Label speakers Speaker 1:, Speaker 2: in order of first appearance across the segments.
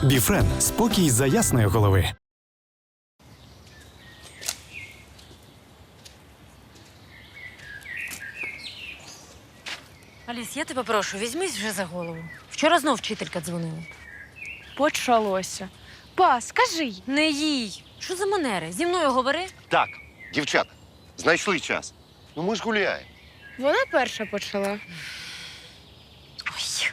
Speaker 1: Біфрен – спокій за ясної голови.
Speaker 2: Аліс, я тебе прошу, візьмись вже за голову. Вчора знов вчителька дзвонила.
Speaker 3: Почалося. Па, скажи.
Speaker 2: Не їй. Що за манери? Зі мною говори.
Speaker 4: Так, дівчата, знайшли час. Ну ми ж гуляємо.
Speaker 3: Вона перша почала.
Speaker 2: Ой.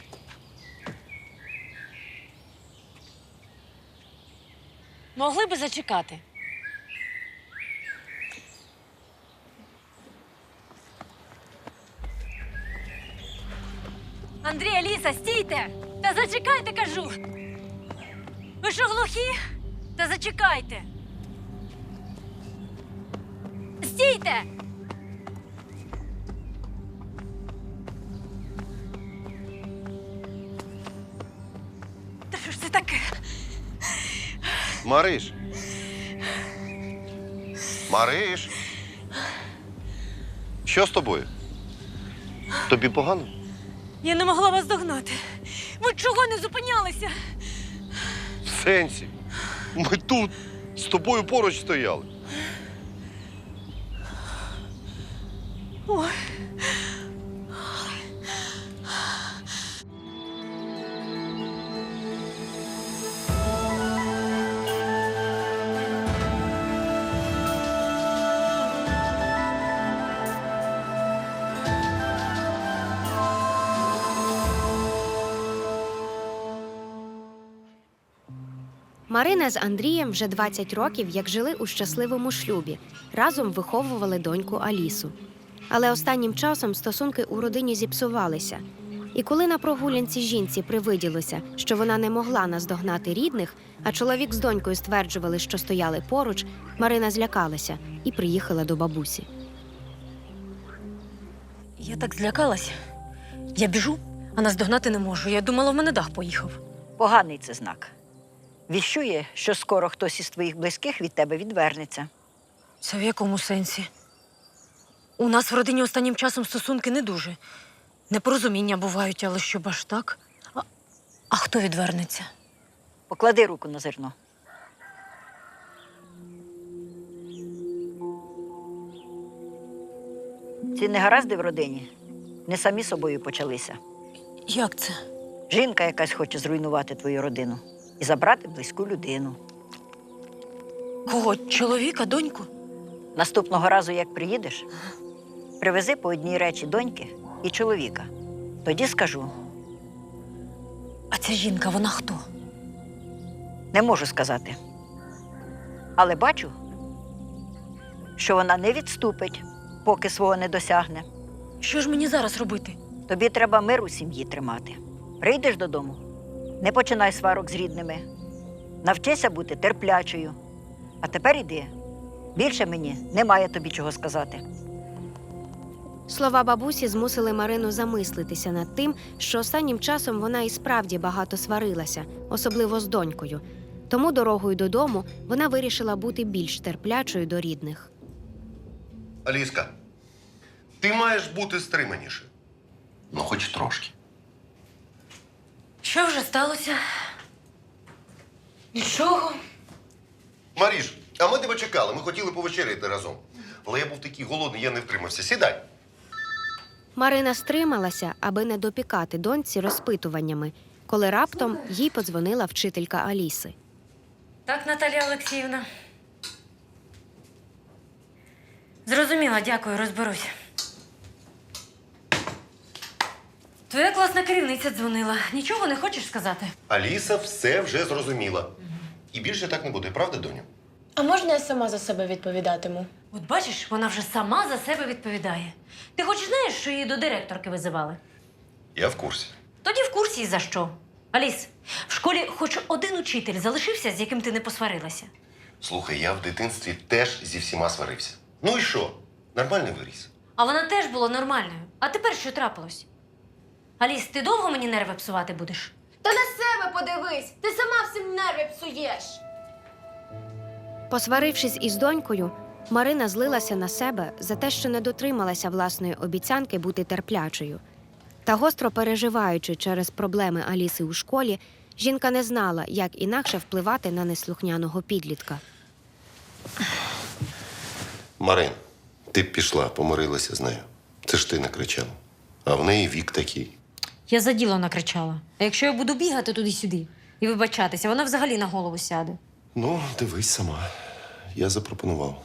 Speaker 2: Могли би зачекати. Андрій, Аліса, стійте! Та зачекайте, кажу! Ви що, глухі? Та зачекайте! Стійте! Та що ж це таке?
Speaker 4: Мариш. Мариш. Що з тобою? Тобі погано?
Speaker 2: Я не могла вас догнати. Ви чого не зупинялися?
Speaker 4: В сенсі. Ми тут з тобою поруч стояли.
Speaker 2: Ой.
Speaker 5: Марина з Андрієм вже 20 років, як жили у щасливому шлюбі. Разом виховували доньку Алісу. Але останнім часом стосунки у родині зіпсувалися. І коли на прогулянці жінці привиділося, що вона не могла наздогнати рідних, а чоловік з донькою стверджували, що стояли поруч, Марина злякалася і приїхала до бабусі.
Speaker 2: Я так злякалась. Я біжу, а наздогнати не можу. Я думала, в мене дах поїхав.
Speaker 6: Поганий це знак. Віщує, що скоро хтось із твоїх близьких від тебе відвернеться.
Speaker 2: Це в якому сенсі? У нас в родині останнім часом стосунки не дуже. Непорозуміння бувають, але щоб аж так? А хто відвернеться?
Speaker 6: Поклади руку на зерно. Ці негаразди в родині не самі собою почалися.
Speaker 2: Як це?
Speaker 6: Жінка якась хоче зруйнувати твою родину і забрати близьку людину.
Speaker 2: Кого? Чоловіка, доньку?
Speaker 6: Наступного разу, як приїдеш, привези по одній речі доньки і чоловіка. Тоді скажу.
Speaker 2: А ця жінка, вона хто?
Speaker 6: Не можу сказати. Але бачу, що вона не відступить, поки свого не досягне.
Speaker 2: Що ж мені зараз робити?
Speaker 6: Тобі треба мир у сім'ї тримати. Прийдеш додому, не починай сварок з рідними. Навчися бути терплячою. А тепер іди. Більше мені немає тобі чого сказати.
Speaker 5: Слова бабусі змусили Марину замислитися над тим, що останнім часом вона і справді багато сварилася, особливо з донькою. Тому дорогою додому вона вирішила бути більш терплячою до рідних.
Speaker 4: Аліска, ти маєш бути стриманіше. Ну, хоч трошки.
Speaker 2: Що вже сталося? Нічого.
Speaker 4: Маріш, а ми тебе чекали, ми хотіли повечеряти разом. Але я був такий голодний, я не втримався. Сідай.
Speaker 5: Марина стрималася, аби не допікати доньці розпитуваннями, коли раптом їй подзвонила вчителька Аліси.
Speaker 2: Так, Наталія Олексіївна. Зрозуміла, дякую, розберусь. Твоя класна керівниця дзвонила. Нічого не хочеш сказати?
Speaker 4: Аліса все вже зрозуміла. І більше так не буде, правда, доню?
Speaker 7: А можна я сама за себе відповідатиму?
Speaker 2: От бачиш, вона вже сама за себе відповідає. Ти хоч знаєш, що її до директорки визивали?
Speaker 4: Я в курсі.
Speaker 2: Тоді в курсі і за що. Аліс, в школі хоч один учитель залишився, з яким ти не посварилася?
Speaker 4: Слухай, я в дитинстві теж зі всіма сварився. Ну і що? Нормальний виріс.
Speaker 2: А вона теж була нормальною. А тепер що трапилось? Аліс, ти довго мені нерви псувати будеш?
Speaker 7: Та на себе подивись! Ти сама всім нерви псуєш!
Speaker 5: Посварившись із донькою, Марина злилася на себе за те, що не дотрималася власної обіцянки бути терплячою. Та гостро переживаючи через проблеми Аліси у школі, Жінка не знала, як інакше впливати на неслухняного підлітка.
Speaker 4: Марин, ти б пішла, помирилася з нею. Це ж ти накричала. А в неї вік такий.
Speaker 2: Я за діло накричала. А якщо я буду бігати туди-сюди і вибачатися, вона взагалі на голову сяде.
Speaker 4: Ну, дивись сама. Я запропонував.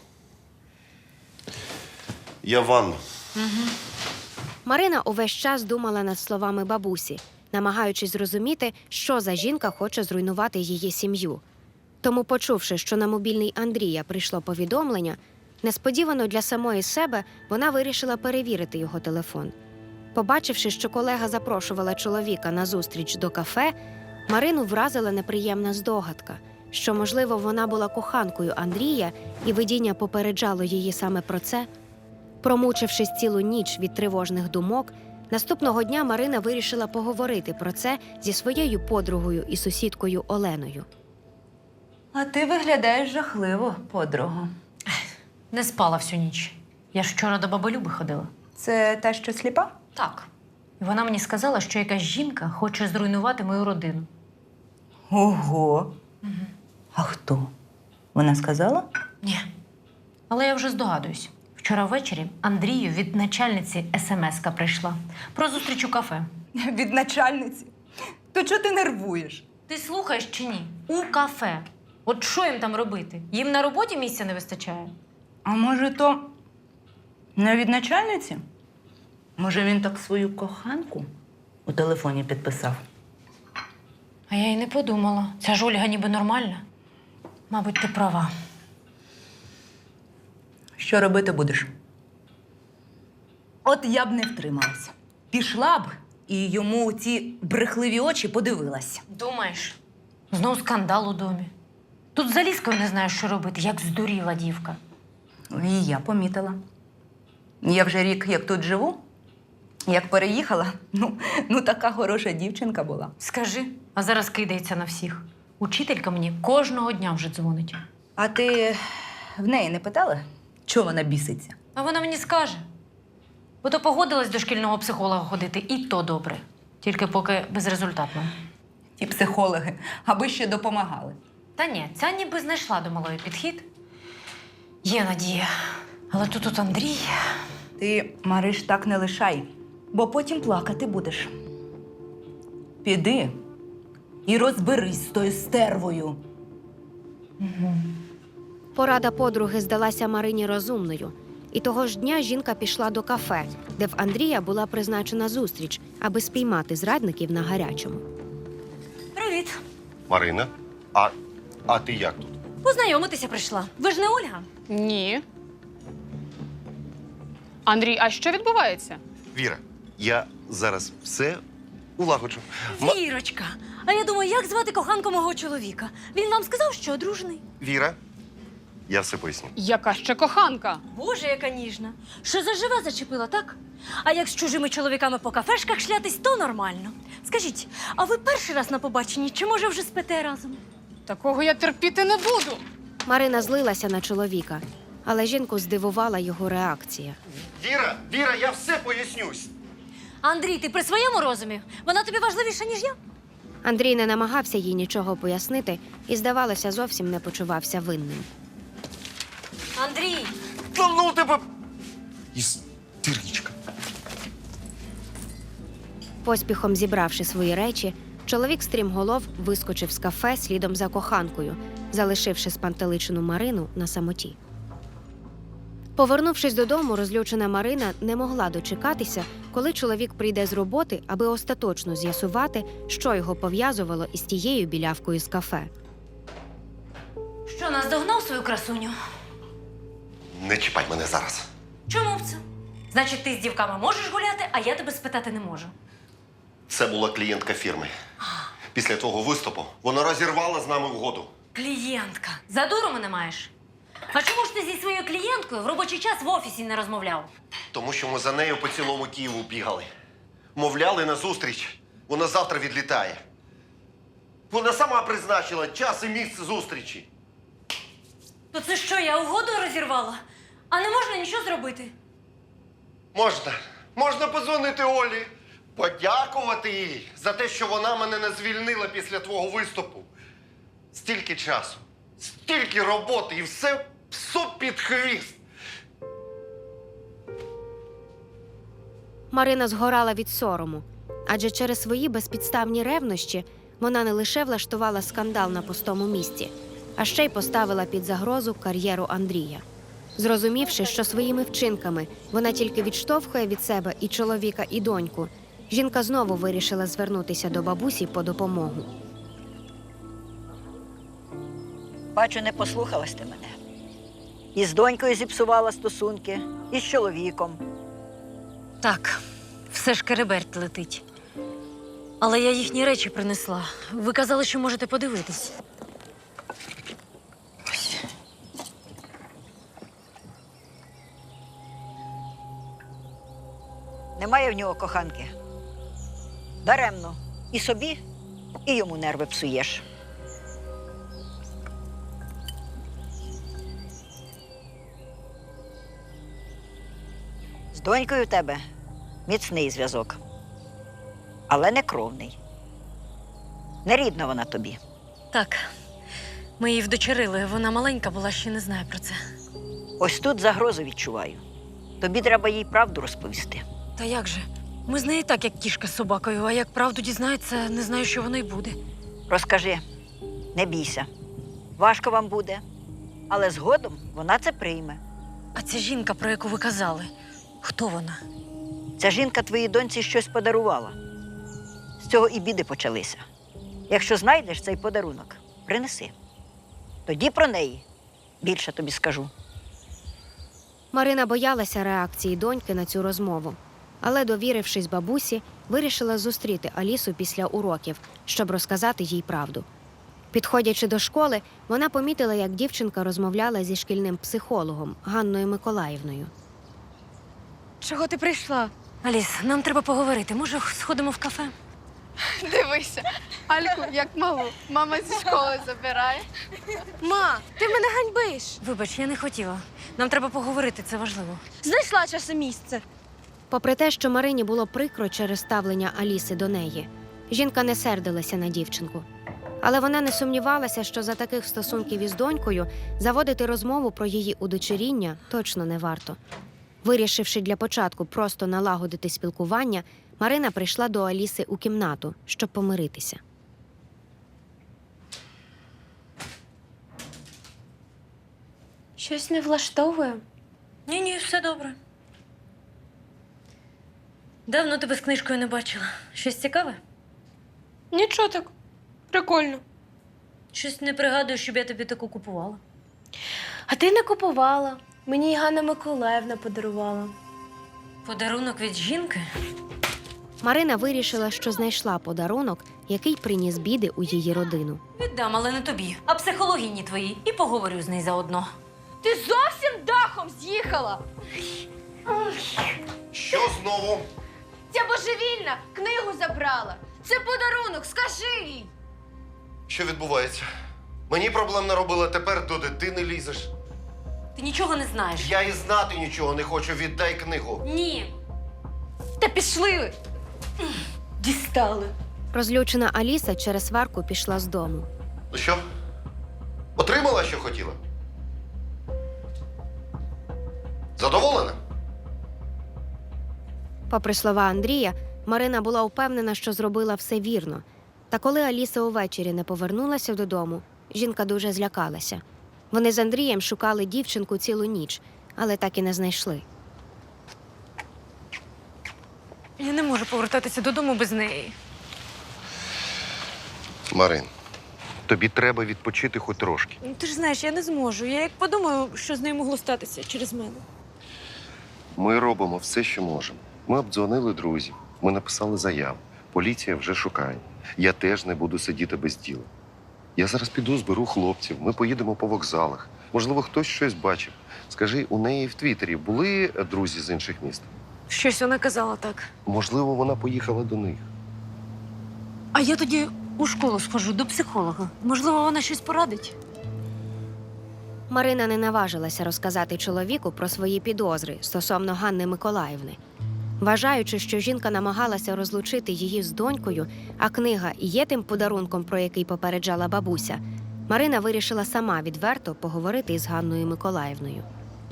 Speaker 4: Я ванну.
Speaker 5: Марина увесь час думала над словами бабусі, намагаючись зрозуміти, що за жінка хоче зруйнувати її сім'ю. Тому, почувши, що на мобільний Андрія прийшло повідомлення, несподівано для самої себе вона вирішила перевірити його телефон. Побачивши, що колега запрошувала чоловіка на зустріч до кафе, Марину вразила неприємна здогадка, що, можливо, вона була коханкою Андрія, і видіння попереджало її саме про це. Промучившись цілу ніч від тривожних думок, наступного дня Марина вирішила поговорити про це зі своєю подругою і сусідкою Оленою.
Speaker 8: А ти виглядаєш жахливо, подруго.
Speaker 2: Не спала всю ніч. Я ж вчора до баби Люби ходила.
Speaker 8: Це та, що сліпа?
Speaker 2: Так. І вона мені сказала, що якась жінка хоче зруйнувати мою родину.
Speaker 8: Ого. А хто? Вона сказала?
Speaker 2: Ні. Але я вже здогадуюсь. Вчора ввечері Андрію від начальниці смс-ка прийшла про зустріч у кафе.
Speaker 8: Від начальниці. То чого ти нервуєш?
Speaker 2: Ти слухаєш чи ні? У кафе. От що їм там робити? Їм на роботі місця не вистачає?
Speaker 8: А може, то не від начальниці? Може, він так свою коханку у телефоні підписав?
Speaker 2: А я й не подумала. Ця ж Ольга ніби нормальна. Мабуть, ти права.
Speaker 8: Що робити будеш? От я б не втрималася. Пішла б і йому у ці брехливі очі подивилася.
Speaker 2: Думаєш? Знов скандал у домі. Тут з Аліскою не знаю, що робити, як здуріла дівка.
Speaker 8: І я помітила. Я вже рік як тут живу. Як переїхала, ну така хороша дівчинка була.
Speaker 2: Скажи, а зараз кидається на всіх. Учителька мені кожного дня вже дзвонить.
Speaker 8: А ти в неї не питала, чого вона біситься?
Speaker 2: А вона мені скаже. Бо то погодилась до шкільного психолога ходити, і то добре. Тільки поки безрезультатно.
Speaker 8: Ті психологи, аби ще допомагали.
Speaker 2: Та ні, ця ніби знайшла до малої підхід. Є надія. Але тут Андрій.
Speaker 8: Ти, Мариш, так не лишай, бо потім плакати будеш. Піди і розберись з тою стервою.
Speaker 5: Порада подруги здалася Марині розумною. І того ж дня жінка пішла до кафе, де в Андрія була призначена зустріч, аби спіймати зрадників на гарячому.
Speaker 2: Привіт.
Speaker 4: Марина, а ти як тут?
Speaker 2: Познайомитися прийшла. Ви ж не Ольга?
Speaker 3: Ні. Андрій, а що відбувається?
Speaker 4: Віра, я зараз все улагоджу.
Speaker 2: Вірочка. А я думаю, як звати коханку мого чоловіка? Він вам сказав, що одружений?
Speaker 4: Віра, я все поясню.
Speaker 3: Яка ще коханка?
Speaker 2: Боже, яка ніжна. Що заживе зачепила, так? А як з чужими чоловіками по кафешках шлятись, то нормально. Скажіть, а ви перший раз на побаченні, чи може вже спите разом?
Speaker 3: Такого я терпіти не буду.
Speaker 5: Марина злилася на чоловіка, але жінку здивувала його реакція.
Speaker 4: Віра, я все пояснюсь.
Speaker 2: Андрій, ти при своєму розумі? Вона тобі важливіша, ніж я?
Speaker 5: Андрій не намагався їй нічого пояснити і, здавалося, зовсім не почувався винним.
Speaker 2: Андрій!
Speaker 4: Та ну тебе! Істеричка.
Speaker 5: Поспіхом зібравши свої речі, чоловік стрімголов вискочив з кафе слідом за коханкою, залишивши спантеличену Марину на самоті. Повернувшись додому, розлючена Марина не могла дочекатися, коли чоловік прийде з роботи, аби остаточно з'ясувати, що його пов'язувало із тією білявкою з кафе.
Speaker 2: Що, наздогнав свою красуню?
Speaker 4: Не чіпай мене зараз.
Speaker 2: Чому б це? Значить, ти з дівками можеш гуляти, а я тебе спитати не можу.
Speaker 4: Це була клієнтка фірми. Після того виступу вона розірвала з нами угоду.
Speaker 2: Клієнтка. За дуру мене маєш? А чому ж ти зі своєю клієнткою в робочий час в офісі не розмовляв?
Speaker 4: Тому що ми за нею по цілому Києву бігали. Мовляли на зустріч. Вона завтра відлітає. Вона сама призначила час і місце зустрічі.
Speaker 2: То це що, я угоду розірвала? А не можна нічого зробити?
Speaker 4: Можна подзвонити Олі. Подякувати їй за те, що вона мене не звільнила після твого виступу. Стільки часу, стільки роботи і все псу під хвіст.
Speaker 5: Марина згорала від сорому, адже через свої безпідставні ревнощі вона не лише влаштувала скандал на пустому місці, а ще й поставила під загрозу кар'єру Андрія. Зрозумівши, що своїми вчинками вона тільки відштовхує від себе і чоловіка, і доньку, жінка знову вирішила звернутися до бабусі по допомогу.
Speaker 6: Бачу, не послухалась ти мене. І з донькою зіпсувала стосунки, і з чоловіком.
Speaker 2: Так, все ж кереберть летить. Але я їхні речі принесла. Ви казали, що можете подивитись. Ось.
Speaker 6: Немає в нього коханки. Даремно. І собі, і йому нерви псуєш. З донькою в тебе міцний зв'язок. Але не кровний. Не рідна вона тобі.
Speaker 2: Так, ми її вдочерили. Вона маленька була, ще не знає про це.
Speaker 6: Ось тут загрозу відчуваю. Тобі треба їй правду розповісти.
Speaker 2: Та як же? Ми з нею так, як кішка з собакою, а як правду дізнається, не знаю, що воно й буде.
Speaker 6: Розкажи, не бійся. Важко вам буде, але згодом вона це прийме.
Speaker 2: А ця жінка, про яку ви казали, хто вона?
Speaker 6: Ця жінка твоїй доньці щось подарувала. З цього і біди почалися. Якщо знайдеш цей подарунок, принеси. Тоді про неї більше тобі скажу.
Speaker 5: Марина боялася реакції доньки на цю розмову, але, довірившись бабусі, вирішила зустріти Алісу після уроків, щоб розказати їй правду. Підходячи до школи, вона помітила, як дівчинка розмовляла зі шкільним психологом Ганною Миколаївною.
Speaker 2: Чого ти прийшла? Аліс, нам треба поговорити. Може, сходимо в кафе?
Speaker 3: Дивися. Альку, як малу. Мама зі школи забирає.
Speaker 7: Ма, ти мене ганьбиш.
Speaker 2: Вибач, я не хотіла. Нам треба поговорити, це важливо.
Speaker 7: Знайшла час і місце.
Speaker 5: Попри те, що Марині було прикро через ставлення Аліси до неї, жінка не сердилася на дівчинку. Але вона не сумнівалася, що за таких стосунків із донькою заводити розмову про її удочеріння точно не варто. Вирішивши для початку просто налагодити спілкування, Марина прийшла до Аліси у кімнату, щоб помиритися.
Speaker 7: Щось не влаштовує.
Speaker 2: Ні, все добре. Давно тебе з книжкою не бачила. Щось цікаве?
Speaker 7: Нічого так. Прикольно.
Speaker 2: Щось не пригадую, щоб я тобі таку купувала.
Speaker 7: А ти не купувала. Мені її Ганна Миколаївна подарувала.
Speaker 2: Подарунок від жінки?
Speaker 5: Марина вирішила, що знайшла подарунок, який приніс біди у її родину.
Speaker 2: Віддам, але не тобі, а психологині твоїй. І поговорю з нею заодно.
Speaker 7: Ти зовсім дахом з'їхала.
Speaker 4: Що знову?
Speaker 7: Ця божевільна книгу забрала. Це подарунок, скажи їй.
Speaker 4: Що відбувається? Мені проблем наробила, тепер до дитини лізеш.
Speaker 2: Ти нічого не знаєш.
Speaker 4: Я і знати нічого не хочу, віддай книгу.
Speaker 2: Ні.
Speaker 7: Та пішли. Дістали.
Speaker 5: Розлючена Аліса через сварку пішла з дому.
Speaker 4: Ну що? Отримала, що хотіла? Задоволена?
Speaker 5: Попри слова Андрія, Марина була впевнена, що зробила все вірно. Та коли Аліса увечері не повернулася додому, жінка дуже злякалася. Вони з Андрієм шукали дівчинку цілу ніч, але так і не знайшли.
Speaker 2: Я не можу повертатися додому без неї.
Speaker 4: Марин, тобі треба відпочити хоч трошки.
Speaker 2: Ти ж знаєш, я не зможу. Я як подумаю, що з нею могло статися через мене.
Speaker 4: Ми робимо все, що можемо. Ми обдзвонили друзів, ми написали заяву. Поліція вже шукає. Я теж не буду сидіти без діла. Я зараз піду, зберу хлопців, ми поїдемо по вокзалах. Можливо, хтось щось бачив. Скажи, у неї в Твіттері були друзі з інших міст?
Speaker 2: Щось вона казала так.
Speaker 4: Можливо, вона поїхала до них.
Speaker 2: А я тоді у школу схожу до психолога. Можливо, вона щось порадить?
Speaker 5: Марина не наважилася розказати чоловіку про свої підозри стосовно Ганни Миколаївни. Вважаючи, що жінка намагалася розлучити її з донькою, а книга і є тим подарунком, про який попереджала бабуся, Марина вирішила сама відверто поговорити із Ганною Миколаївною.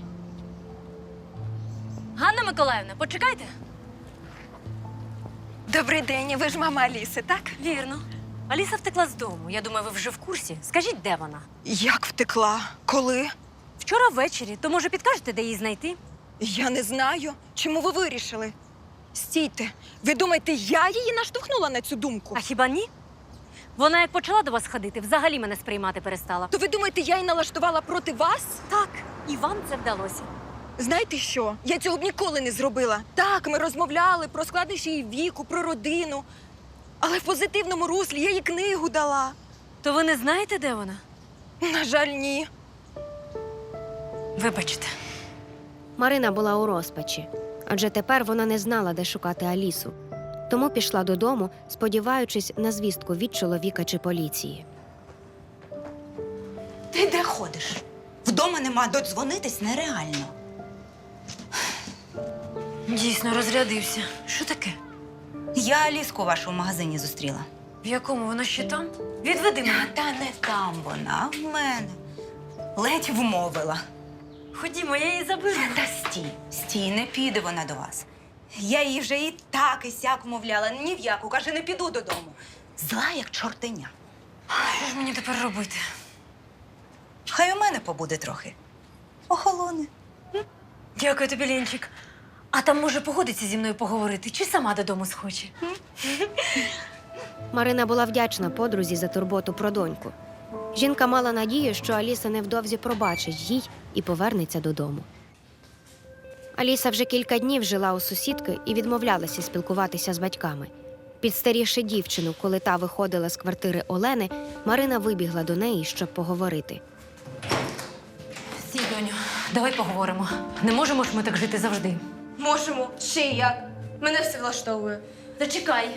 Speaker 2: Ганна Миколаївна, почекайте.
Speaker 9: Добрий день, ви ж мама Аліси, так?
Speaker 2: Вірно. Аліса втекла з дому. Я думаю, ви вже в курсі. Скажіть, де вона?
Speaker 9: Як втекла? Коли?
Speaker 2: Вчора ввечері. То, може, підкажете, де її знайти?
Speaker 9: Я не знаю. Чому ви вирішили? Стійте, ви думаєте, я її наштовхнула на цю думку?
Speaker 2: А хіба ні? Вона як почала до вас ходити, взагалі мене сприймати перестала.
Speaker 9: То ви думаєте, я її налаштувала проти вас?
Speaker 2: Так, і вам це вдалося.
Speaker 9: Знаєте що? Я цього б ніколи не зробила. Так, ми розмовляли про складнощі її віку, про родину. Але в позитивному руслі я їй книгу дала.
Speaker 2: То ви не знаєте, де вона?
Speaker 9: На жаль, ні.
Speaker 2: Вибачте.
Speaker 5: Марина була у розпачі, адже тепер вона не знала, де шукати Алісу. Тому пішла додому, сподіваючись на звістку від чоловіка чи поліції.
Speaker 8: Ти де ходиш? Вдома нема, додзвонитись нереально.
Speaker 2: Дійсно, розрядився. Що таке?
Speaker 8: Я Аліску вашу в магазині зустріла.
Speaker 2: В якому? Вона ще там? Відведи мене.
Speaker 8: Та не там вона, а в мене. Ледь вмовила.
Speaker 2: Ходімо, я її заберу.
Speaker 8: Та стій, не піде вона до вас. Я її вже і так, і сяк вмовляла, ні в яку, каже, не піду додому. Зла, як чортеня.
Speaker 2: Що ж мені тепер робити?
Speaker 8: Хай у мене побуде трохи. Охолоне.
Speaker 2: Дякую тобі, Ленчик. А там, може, погодиться зі мною поговорити, чи сама додому схоче?
Speaker 5: Марина була вдячна подрузі за турботу про доньку. Жінка мала надію, що Аліса невдовзі пробачить їй і повернеться додому. Аліса вже кілька днів жила у сусідки і відмовлялася спілкуватися з батьками. Підстарівши дівчину, коли та виходила з квартири Олени, Марина вибігла до неї, щоб поговорити.
Speaker 2: Стій, доню, давай поговоримо. Не можемо ж ми так жити завжди.
Speaker 7: Можемо. Ще як. Мене все влаштовує.
Speaker 2: Зачекай.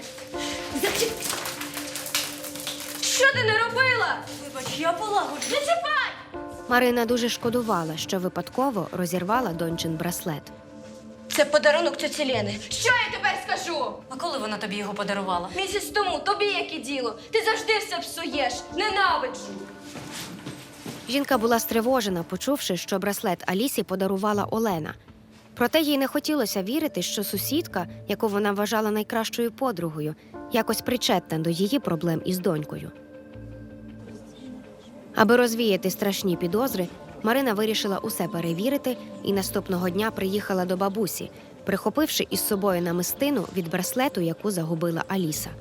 Speaker 7: Що ти не робила?
Speaker 2: Вибач, я полагоджу.
Speaker 7: Не чіпай!
Speaker 5: Марина дуже шкодувала, що випадково розірвала дончин браслет.
Speaker 7: Це подарунок тьоті Лени. Що я тепер скажу?
Speaker 2: А коли вона тобі його подарувала?
Speaker 7: Місяць тому, тобі яке діло? Ти завжди все псуєш. Ненавиджу.
Speaker 5: Жінка була стривожена, почувши, що браслет Алісі подарувала Олена. Проте їй не хотілося вірити, що сусідка, яку вона вважала найкращою подругою, якось причетна до її проблем із донькою. Аби розвіяти страшні підозри, Марина вирішила усе перевірити і наступного дня приїхала до бабусі, прихопивши із собою намистину від браслету, яку загубила Аліса.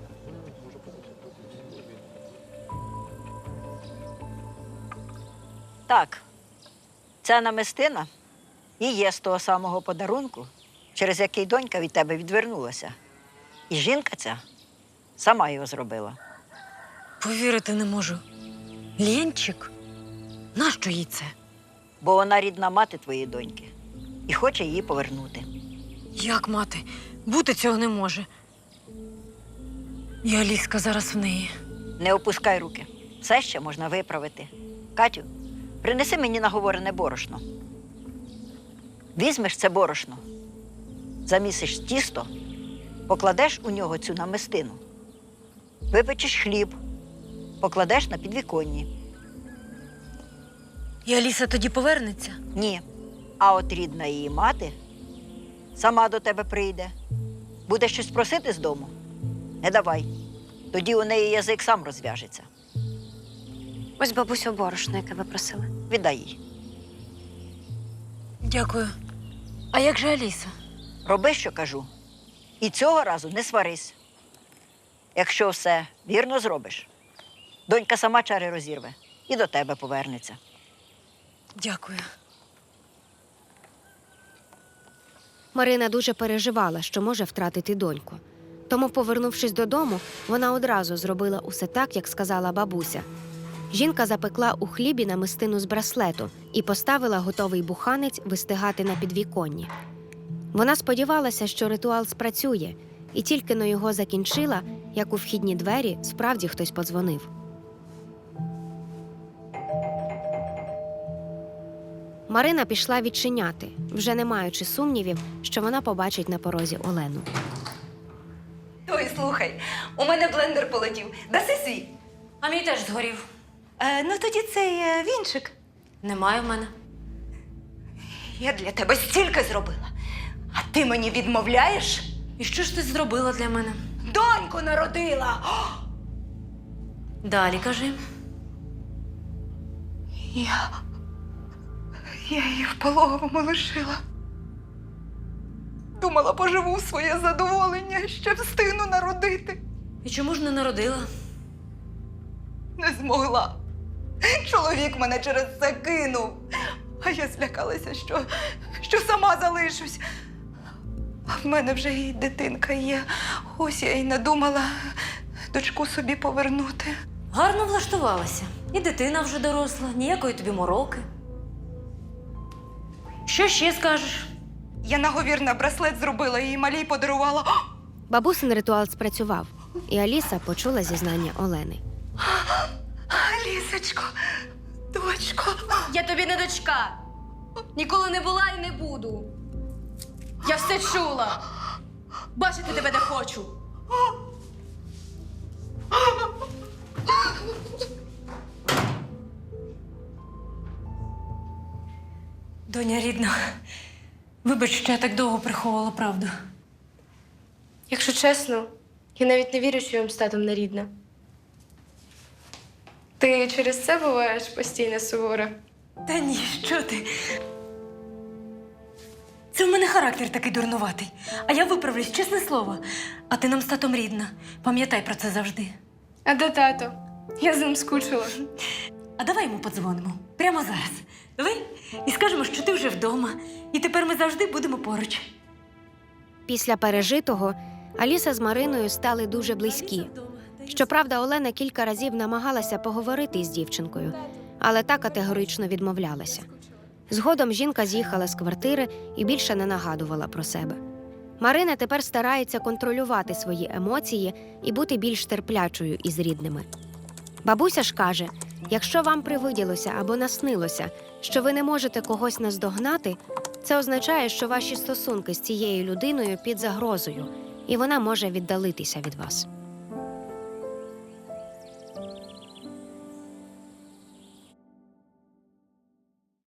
Speaker 6: Так, ця намистина і є з того самого подарунку, через який донька від тебе відвернулася. І жінка ця сама його зробила.
Speaker 2: Повірити не можу. Ленчик? Нащо їй це?
Speaker 6: Бо вона рідна мати твоєї доньки і хоче її повернути.
Speaker 2: Як мати? Бути цього не може. І Аліска зараз в неї.
Speaker 6: Не опускай руки. Все ще можна виправити. Катю, принеси мені наговорене борошно. Візьмеш це борошно, замісиш тісто, покладеш у нього цю намистину. Випечеш хліб, покладеш на підвіконні.
Speaker 2: І Аліса тоді повернеться?
Speaker 6: Ні. А от рідна її мати сама до тебе прийде. Буде щось просити з дому? Не давай. Тоді у неї язик сам розв'яжеться.
Speaker 5: Ось бабусю борошно, яке ви просили.
Speaker 6: Віддай їй.
Speaker 2: Дякую. А як же Аліса?
Speaker 6: Роби, що кажу. І цього разу не сварись. Якщо все вірно зробиш, донька сама чари розірве і до тебе повернеться.
Speaker 2: Дякую.
Speaker 5: Марина дуже переживала, що може втратити доньку. Тому, повернувшись додому, вона одразу зробила усе так, як сказала бабуся. Жінка запекла у хлібі намистину з браслету і поставила готовий буханець вистигати на підвіконні. Вона сподівалася, що ритуал спрацює, і тільки но його закінчила, як у вхідні двері справді хтось подзвонив. Марина пішла відчиняти, вже не маючи сумнівів, що вона побачить на порозі Олену.
Speaker 8: Ой, слухай, у мене блендер полетів. Даси свій?
Speaker 2: А мій теж згорів.
Speaker 8: Ну тоді цей вінчик.
Speaker 2: Немає в мене.
Speaker 8: Я для тебе стільки зробила. А ти мені відмовляєш?
Speaker 2: І що ж ти зробила для мене?
Speaker 8: Доньку народила!
Speaker 2: Далі кажи.
Speaker 8: Я її в пологовому лишила. Думала, поживу в своє задоволення, ще встигну народити.
Speaker 2: І чому ж не народила?
Speaker 8: Не змогла. Чоловік мене через це кинув. А я злякалася, що сама залишусь. А в мене вже і дитинка є. Ось я й надумала дочку собі повернути.
Speaker 2: Гарно влаштувалася. І дитина вже доросла, ніякої тобі мороки. Що ще скажеш?
Speaker 8: Я наговір на браслет зробила і малій подарувала.
Speaker 5: Бабусин ритуал спрацював, і Аліса почула зізнання Олени.
Speaker 8: Лісочко, дочко.
Speaker 7: Я тобі не дочка. Ніколи не була і не буду. Я все чула. Бачити тебе не хочу.
Speaker 2: Доня рідна, вибач, що я так довго приховувала правду.
Speaker 10: Якщо чесно, я навіть не вірю, що я вам з татом не рідна. Ти через це буваєш постійно сувора?
Speaker 2: Та ні, що ти? Це в мене характер такий дурнуватий. А я виправлюсь, чесне слово. А ти нам з татом рідна. Пам'ятай про це завжди.
Speaker 10: А де тато? Я з ним скучила.
Speaker 2: А давай йому подзвонимо. Прямо зараз. Давай? І скажемо, що ти вже вдома. І тепер ми завжди будемо поруч.
Speaker 5: Після пережитого Аліса з Мариною стали дуже близькі. Щоправда, Олена кілька разів намагалася поговорити із дівчинкою, але та категорично відмовлялася. Згодом жінка з'їхала з квартири і більше не нагадувала про себе. Марина тепер старається контролювати свої емоції і бути більш терплячою із рідними. Бабуся ж каже, якщо вам привиділося або наснилося, що ви не можете когось наздогнати, це означає, що ваші стосунки з цією людиною під загрозою, і вона може віддалитися від вас.